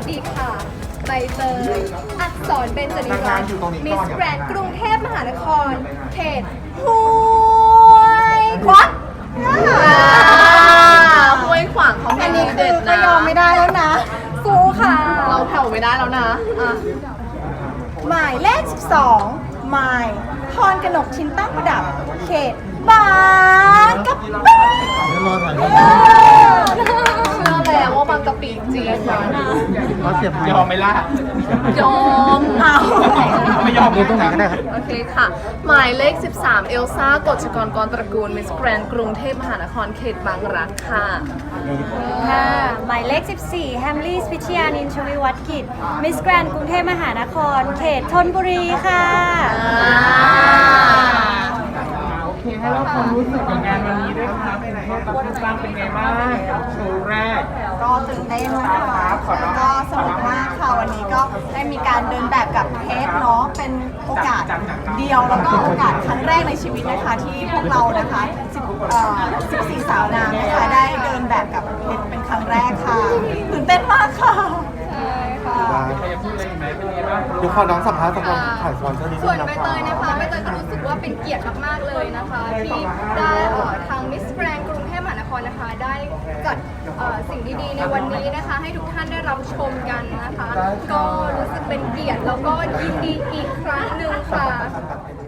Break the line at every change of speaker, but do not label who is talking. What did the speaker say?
ดีค่ะใบเตยอักษรเบญจนิวัฒน์มิสแกรนด์กรุงเทพมหานครเขตห้วยขวาง
ห้วยขวางเขา
อันนี้
เด็
คือ
ด
ก็
นะ
ยอมไม่ได้แล้วนะสู้ค่ะ
เราแผ่วไม่ได้แล้วนะอ่ะ
หมายเลข 12หมายพรกนกชิ้นตั้งประดับ เขตบางกะปิ
เดี๋ยวรอถ่ายรูป
เชื่อแล้วว่าบางกะปิจริงนะ
เขาเสียบไม้
ยอมไหมล่ะ
ยอมเอา
ไม่ยอม
ดูตรงไหนก็ได้ครับ
โอเคค่ะ หมายเลข 13 เอลซ่ากฎชกรกรตระกูลมิสแกรนด์กรุงเทพมหานครเขตบางรักค่ะ
ค่ะหมายเลข 14 แฮมลี่พิชยานินชวิวัฒน์กิจ มิสแกรนด์กรุงเทพมหานคร เขตธนบุรีค่ะ
โอเคให้เราความรู้สึกกับงานวันนี้ด้วยครับคุณสร้างเป็นไงบ้างโชว์แรก
ก็ตื่นเต้นนะคะแล้วก็สนุกมากค่ะวันนี้ก็ได้มีการเดินแบบกับเพชรเนาะเป็นโอกาสเดียวแล้วก็โอกาสครั้งแรกในชีวิตนะคะที่พวกเรานะคะ14 สาวนางนะคะได้เดินแบบกับเพชรเป็นครั้งแรกค่ะตื่นเต้นมากค่ะใช่ค่ะ
ใครจะพูดอะไรอีกไหมเป็นไงบ้าง
เดี๋ยวขอน้องสัมภาษณ์สำหรับถ่ายสปอนเซอร์นี้
ส่
ด้
ว
วน ยนะ
ใบ
ค
เต
รับ
ยนะคะใบเตยก็รู้สึกว่าเป็นเกียรติมากๆเลยนะคะที่ได้ทางมิสแกรนด์กรุงเทพมหานครนะคะได้จัดสิ่งดีๆในวันนี้นะคะให้ทุกท่านได้รับชมกันนะคะ ก็รู้สึกเป็นเกียรติแล้วก็ยินดีอีกครั้งหนึ่งค่ะ